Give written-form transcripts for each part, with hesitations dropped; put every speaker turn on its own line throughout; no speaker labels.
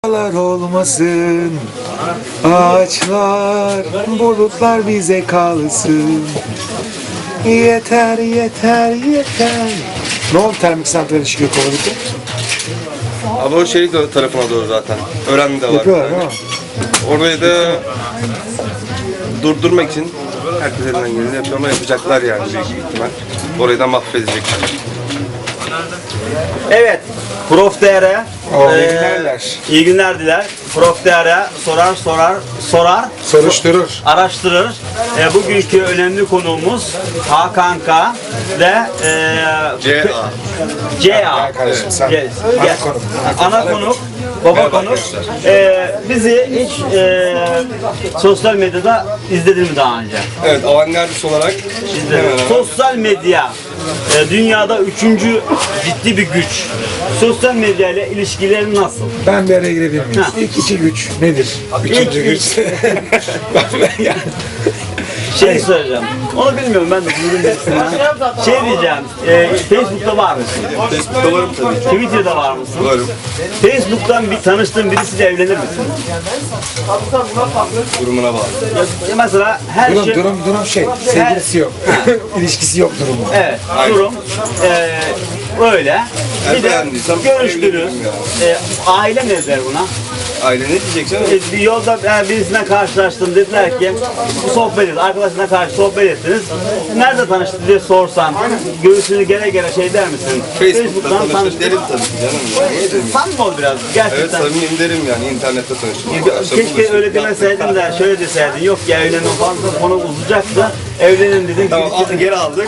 dağlar olmasın, ağaçlar, bulutlar bize kalsın. Yeter, yeter, yeter. Ne oldu termik santrali çıkıyor Kovalık'ta?
Ama o şey de tarafına doğru zaten. Öğrenme de var.
Yapıyorlar değil mi?
Orayı da durdurmak için herkes elinden geleni yapıyor ama yapacaklar yani büyük ihtimal. Orayı da mahvedecekler.
Evet, Prof Değer'e
İyi günlerler.
iyi günler diler. Prof Değer'e sorar,
Soruşturur.
araştırır. Bugünkü önemli konuğumuz Hakan K ve
CA.
CA.
Kardeşim sen.
Yes.
Ana konuk.
Ana konuk, baba konuk. Bizi hiç sosyal medyada izledin mi daha önce?
Evet, avantgardist olarak
İzledim. Sosyal medya dünyada üçüncü ciddi bir güç. Sosyal medya ile ilişkilerin nasıl?
Ben bir araya girebilir miyim?
Ha.
İlk iki güç nedir? Üçüncü
İlk
güç. Ben ya.
Şey söyleyeceğim. Onu bilmiyorum ben de buyurun birisinden. Şey diyeceğim. Facebook'ta var mısın?
Facebook'ta varım tabii ki.
Twitter'da var mısın?
Varım.
Facebook'tan bir tanıştığın birisiyle evlenir misin?
Durumuna bağlı.
Mesela her şey...
Durum şey, sevgilisi yok. İlişkisi yok durumu.
Evet,
Aynen.
durum öyle. Bir de
beğendiysem
görüştünüz.
evlenirim
Aile ne der buna?
Aile ne diyeceksin?
Bir yolda birisine karşılaştın, dediler ki sohbet et, arkadaşına karşı sohbet ettiniz. Nerede tanıştın diye sorsan, göğsünü gere gere şey der misin?
Facebook'ta tanıştık derim tabii ki canım.
Samimi ol biraz,
Evet,
gerçekten.
samimiyim derim yani internette tanıştık.
Keşke öyle demeseydin de şöyle deseydin, yok ya evlenin fazla konu uzayacaktı, evlenin dedin.
Tamam, geri aldık.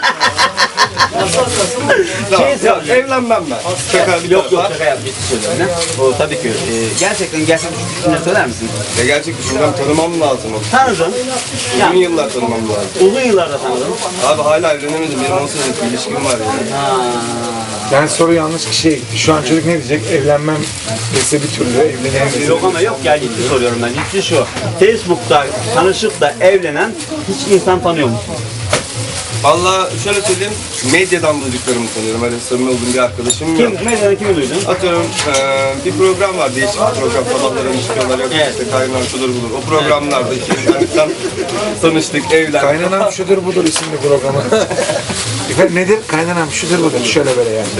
Tamam, ya, evlenmem ben. Şaka bir
Yok
tarafa.
şaka yap, ciddi söylüyorum. O tabii ki gerçekten düşünce söyler misin?
Ya gerçek düşüncem tanımam lazım onu.
Tanıdın,
Uzun yıllar tanımam lazım.
uzun yıllarda tanıdın.
Abi hala evlenemedim. Benim 10 senelik bir ilişkim var yani.
Ben soru yanlış kişiye gitti. Şu an çocuk ne diyecek? Evlenmem dese bir türlü evlenemeyiz.
Yok ama yok ya, ciddi soruyorum ben. Ciddi şu. Facebook'ta tanışıp da evlenen hiç insan tanıyor musun?
Valla şöyle söyleyeyim, medyadan duyduklarımı sanıyorum. Öyle samimi olduğum bir arkadaşım yok.
Medyada kimi duydun?
Atıyorum bir program var, değişik bir program. Sabahları çıkıyorlar, yok
Evet.
işte kaynağı şudur budur. O programlarda işte internetten tanıştık, evlendik.
Kaynanam şudur budur isimli programı. Efendim nedir? Kaynanam şudur budur. Şöyle böyle yani.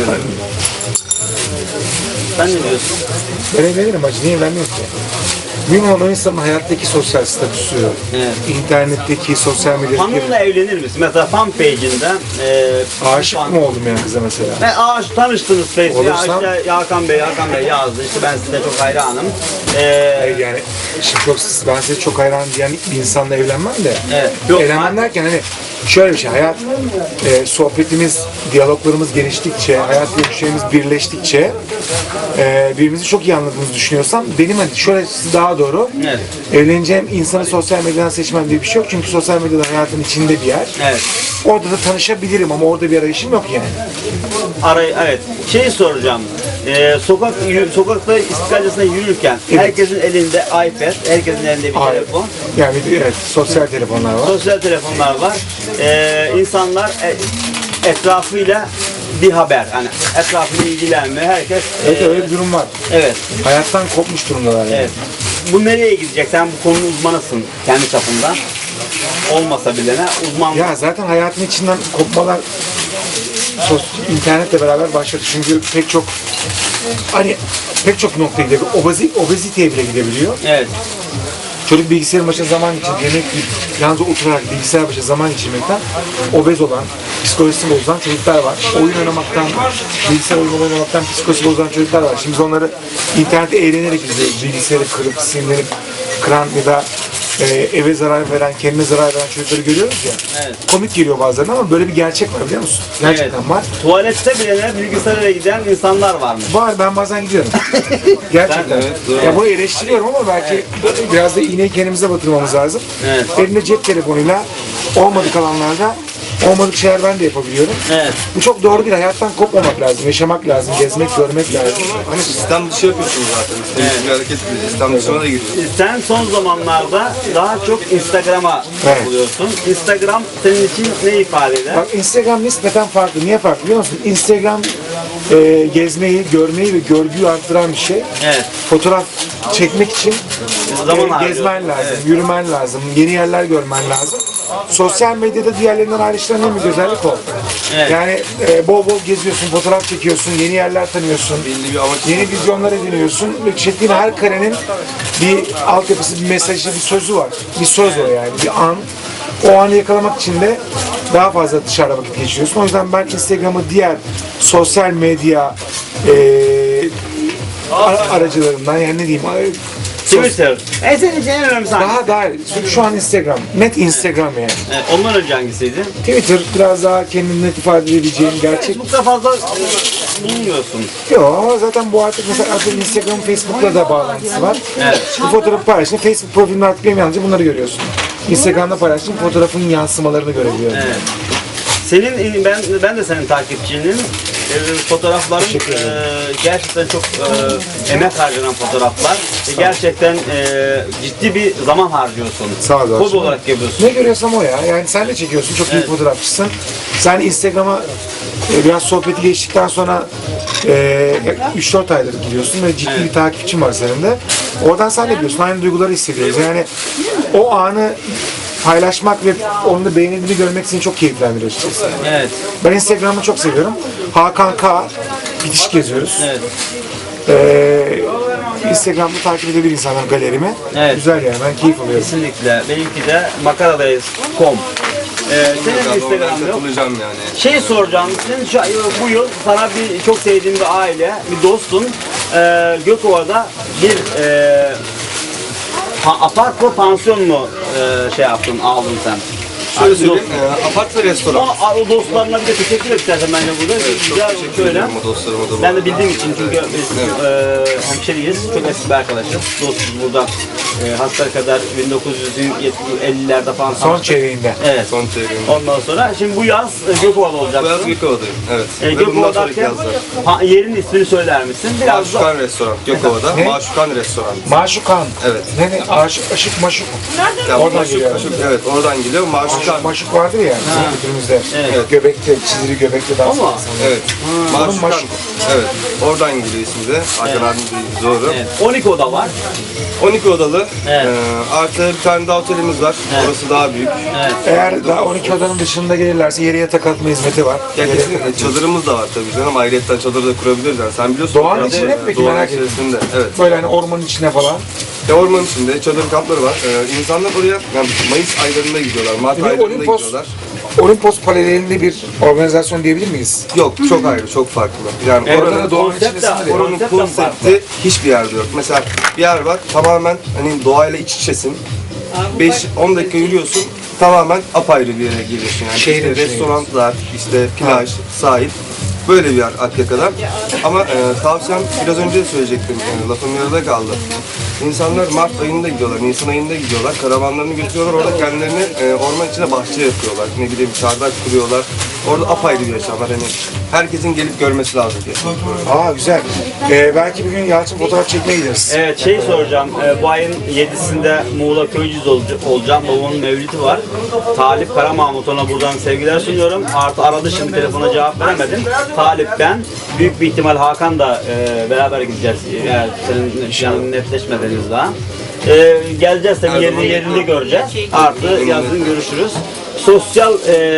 Sen ne diyorsun?
Ben evlenirim hacı. Niye evlenmiyorum ki? Mühim olan o insanın hayattaki sosyal statüsü,
Evet.
internetteki, sosyal medyadaki...
Hanımla evlenir misin? Mesela fan page'inden
Aşık mı oldum yani kıza mesela?
tanıştınız Facebook'ta. Ya
Olursam-
işte Hakan Bey yazdı. İşte ben size çok hayranım.
Hayır yani şimdi ben size çok hayran diyen bir insanla evlenmem de.
Evet. Yok,
Evlenmem derken hani şöyle bir şey, hayat sohbetimiz, diyaloglarımız geliştikçe, hayat görüşlerimiz birleştikçe birbirimizi çok iyi anladığımızı düşünüyorsam benim hani şöyle daha doğru,
Evet.
evleneceğim insanı sosyal medyadan seçmem diye bir şey yok çünkü sosyal medyada hayatın içinde bir yer.
Evet.
Orada da tanışabilirim ama orada bir arayışım yok yani.
Evet. Şey soracağım. Sokakta İstiklalcasına yürürken
Evet.
herkesin elinde iPad, herkesin elinde bir telefon.
Yani evet, sosyal telefonlar var.
Sosyal telefonlar var. İnsanlar etrafıyla bir haber. Hani etrafıyla ilgilenme. Herkes
Evet öyle bir durum var.
evet.
Hayattan kopmuş durumdalar yani.
Evet. Bu nereye gidecek? Sen bu konunun uzmanısın kendi çapında. Olmasa bile ne? Uzman.
Ya zaten hayatın içinden kopmalar internetle beraber başladı. Çünkü pek çok noktaya gidebiliyor. Obeziteye bile gidebiliyor.
Evet.
Çocuk bilgisayarın başına zaman geçirip yemek yiyip yalnız oturarak bilgisayar başına zaman geçirmekten obez olan, psikolojisi bozulan çocuklar var. Oyun oynamaktan, bilgisayar oyunu oynamaktan psikolojisi bozulan çocuklar var. Şimdi biz onları internette eğlenerek izliyoruz. Bilgisayarı kırıp, sinirlenip, kıran ya da eve zarar veren, kendine zarar veren çocukları görüyoruz ya.
Evet.
Komik geliyor bazen ama böyle bir gerçek var biliyor musun? Gerçekten var.
Tuvalette bile bilgisayara giden insanlar varmış.
Var, ben bazen gidiyorum. Gerçekten.
Evet, doğru.
Ya bunu eleştiriyorum ama belki biraz da iğneyi kendimize batırmamız lazım.
Evet.
Elinde cep telefonuyla olmadık alanlarda olmadık şeyler ben de yapabiliyorum.
Evet.
Bu çok doğru değil. Hayattan kopmamak lazım, yaşamak lazım, gezmek, görmek lazım.
Hani sistem dışı yapıyorsunuz zaten. İstemsiz bir hareket ediyorsunuz. Sistem dışına da giriyorsunuz.
Sen son zamanlarda daha çok Instagram'a
Evet.
buluyorsun. Instagram senin için ne ifade eder?
Bak Instagram nispeten farklı. Niye farklı biliyor musun? Instagram gezmeyi, görmeyi ve görgüyü arttıran bir şey.
Evet.
Fotoğraf çekmek için
Zaman harcıyorsun.
gezmen lazım,
Evet.
yürümen lazım, yeni yerler görmen lazım. Sosyal medyada diğerlerinden ayrıştıran en büyük özellik o.
Evet.
Yani bol bol geziyorsun, fotoğraf çekiyorsun, yeni yerler tanıyorsun,
Belli bir amaç.
yeni vizyonlar ediniyorsun ve çektiğin her karenin bir altyapısı, bir mesajı, bir sözü var. Bir söz o yani, bir an. O anı yakalamak için de daha fazla dışarıda vakit geçiriyorsun. O yüzden ben Instagram'ı diğer sosyal medya aracılarından yani ne diyeyim
Twitter. Senin için en önemlisi hangisi?
daha şu an Instagram. Net Instagram yani.
Evet, ondan önce hangisiydi?
Twitter biraz daha kendini net ifade edebileceğin gerçek.
Facebook'ta fazla bulunmuyorsun.
Yok ama zaten bu artık Instagram, Facebook'la da bağlantısı var.
Evet.
Bu fotoğrafı paylaştın. Facebook profilinde artık benim yalnızca bunları görüyorsun. Instagram'da paylaştığın fotoğrafın yansımalarını görebiliyorum.
Evet. Senin ben de senin takipçinin. Fotoğrafların
Teşekkür ederim.
gerçekten çok emek harcanan fotoğraflar. Gerçekten ciddi bir zaman harcıyorsun.
Sağ ol.
Hobi olarak yapıyorsun.
Ne görüyorsam o ya. Yani sen de çekiyorsun. Çok iyi
Evet.
fotoğrafçısın. Sen Instagram'a biraz sohbeti geçtikten sonra 3-4 aydır gidiyorsun ve ciddi
Evet.
bir takipçin var senin de. Oradan sen de biliyorsun. Aynı duyguları hissediyoruz. Yani o anı paylaşmak ve onu da beğenildiğini görmek seni çok keyiflendiriyor açıkçası.
Evet.
Ben Instagram'ı çok seviyorum. Hakan K. Bitiş geziyoruz.
Evet.
Instagram'da takip edebilir insanlar galerimi.
Evet.
Güzel yani. Ben keyif alıyorum.
Kesinlikle. Benimki de makaradayız.com. Senin Instagram'da yok.
Katılacağım yani.
Şey soracağım, sen bu yıl sana çok sevdiğin bir aile, bir dostun Gökova'da bir apart mı, pansiyon mu aldın sen?
Şöyle söyleyeyim, apart ve restoran.
O dostlarına bir de teşekkür et istersen bence burada. Güzel
Teşekkür
şöyle.
ederim o dostlarıma da.
Ben de bildiğim için çünkü biz hemşeriyiz, çok eski bir arkadaşız. Dostuz burada. Hasbel kadar 1950'lerde falan
Son
tanıştık.
çeyreğinde.
Evet.
Son çeyreğim.
Ondan sonra şimdi bu yaz Gökova'da
Bu
olacaksın.
yaz Gökova'dayım. Evet. Ve bundan sonraki
Gökova'dayken
yazlar.
yerin ismini söyler misin? Biraz da
Maşukan Restoran. Gökova'da.
Ne?
Maşukan Restoran.
Maşukan.
Evet.
Ne? Aşık maşuk.
Ya
Oradan
Maşuk,
geliyor.
evet oradan geliyor. Maşukan.
Maşuk vardır ya bizim kültürümüzde.
Evet.
Göbekte, çizili göbekte dans
Ama-
eden insanlar.
Evet. Maşukan.
Maşuk.
Evet. Oradan geliyor ismi de. Hakan abim de doğru.
evet. 12 oda var.
12 odalı.
Evet.
Artı bir tane daha otelimiz var.
Evet.
Orası daha büyük.
Evet.
Eğer daha 12 odanın dışında gelirlerse yere yatak atma hizmeti var.
Ya kesinlikle çadırımız da var tabii canım. Ayrıyetten çadır da kurabiliriz yani. Sen biliyorsun.
Doğanın
orası,
içinde mi peki?
Doğanın
Merak ettim.
içerisinde. Evet.
Böyle hani ormanın içine falan.
Ormanın içinde çadır kampları var. İnsanlar oraya yani Mayıs aylarında gidiyorlar. Mart
Bir
aylarında
Olimpos,
gidiyorlar.
Olimpos paralelinde bir organizasyon diyebilir miyiz?
Yok çok ayrı, çok farklı. Yani
Evet,
oranın,
doğanın
konsept de-
içindesin de.
oranın
konsept de
konsepti hiçbir yerde yok. Mesela bir yer var tamamen hani doğayla iç içesin. 5-10 dakika yürüyorsun tamamen apayrı bir yere geliyorsun. Yani
Şehrin
işte
içine
restoranlar, işte plaj, sahil. Böyle bir yer Akyaka'da. Ama tavsiyem biraz önce de söyleyecektim. Lafım yarıda kaldı. İnsanlar Mart ayında gidiyorlar, Nisan ayında gidiyorlar. Karavanlarını götürüyorlar. Orada kendilerini orman içine bahçe yapıyorlar. Ne bileyim çardak kuruyorlar. Orada apayrı bir yaşam var. Hani herkesin gelip görmesi lazım diye.
Aa güzel. Belki bir gün Yalçın fotoğraf çekmeye gideriz.
Evet soracağım. Bu ayın 7'sinde Muğla Köyceğiz olacağım. Babamın mevlidi var. Talip Karamahmut, ona buradan sevgiler sunuyorum. Artı aradı şimdi, telefona cevap veremedim. Talip ben. Büyük bir ihtimal Hakan da beraber gideceğiz. Yani senin planın netleşmediniz daha. Geleceğiz tabii,
Her zaman
yerinde göreceğiz. Artı yazın görüşürüz. Sosyal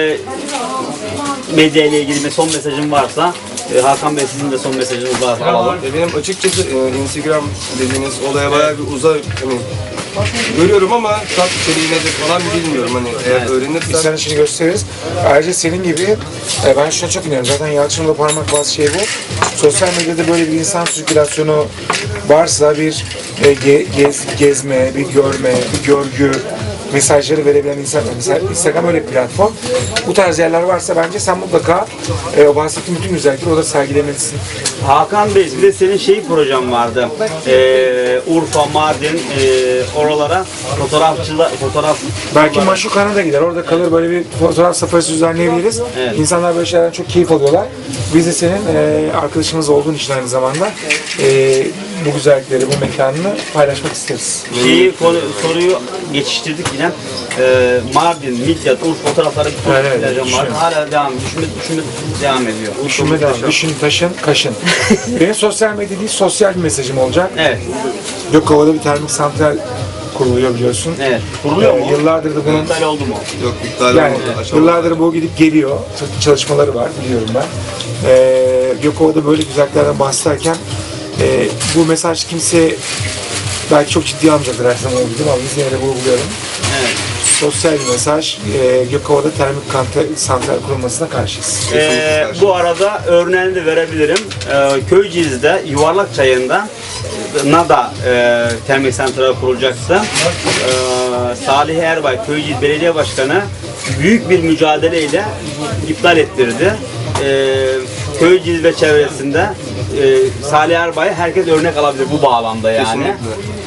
medya ile ilgili son mesajın varsa, Hakan Bey sizin de son mesajınız varsa alalım.
Benim açıkçası Instagram dediğiniz olaya bayağı bir uzak hani görüyorum ama tat içeriği nedir falan bilmiyorum hani eğer
Evet.
Biz
öğrenirsem
sana şimdi gösteririz. Ayrıca senin gibi ben şuna çok inanıyorum. Zaten Yalçın'la parmak bazı şey bu. Sosyal medyada böyle bir insan sirkülasyonu varsa bir gezme, bir görme, bir görgü mesajları verebilen insanlar. Mesela Instagram öyle bir platform. Bu tarz yerler varsa bence sen mutlaka o bahsettiğim bütün güzellikleri orada sergilemelisin.
Hakan Bey, bir de senin projen vardı. Urfa, Mardin, oralara fotoğraf
Belki Maşukan'a da gider. Orada kalır, böyle bir fotoğraf safarisi düzenleyebiliriz.
Evet.
İnsanlar böyle şeylerden çok keyif alıyorlar. Biz de senin arkadaşımız olduğun için aynı zamanda bu güzellikleri, bu mekanını paylaşmak isteriz.
soruyu geçiştirdik yine. Mardin, Midyat, Urfa fotoğrafları
Evet,
var. Hala devam, düşünme devam ediyor.
Düşünme devam. Düşün, taşın, kaşın. Benim sosyal medya değil, sosyal bir mesajım olacak.
Evet,
Gökova'da bir termik santral kuruluyor biliyorsun.
evet. Kuruluyor mu?
Yıllardır da bunun
İptal oldu mu?
Yok, iptal
yani
olmadı. Aşamalı.
yıllardır bu gidip geliyor. Çok çalışmaları var biliyorum ben. Gökova'da böyle güzelliklerden bahsederken bu mesaj kimse belki çok ciddi almayacaktır her zaman olduğu gibi ama biz yine de vurguluyorum.
Evet.
Sosyal bir mesaj. Gökova'da termik santral kurulmasına karşıyız.
Bu arada örneğini de verebilirim. Köyceğiz'de Yuvarlak Çayı'nda NADA termik santral kurulacaktı. Salih Erbay, Köyceğiz Belediye Başkanı büyük bir mücadeleyle iptal ettirdi. Köyceğiz ve çevresinde Salih Erbay herkes örnek alabilir bu bağlamda yani.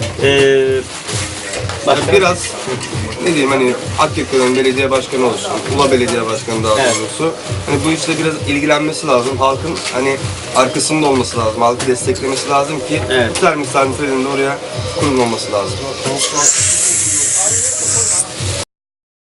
Başka?
Biraz ne diyeyim, hani Akyaka'nın belediye başkanı olsun, Ula belediye başkanı daha
Evet.
doğrusu. Hani bu işle biraz ilgilenmesi lazım. Halkın hani arkasında olması lazım. Halkı desteklemesi lazım ki
Evet.
bu termik santralinin de oraya kurulmaması lazım.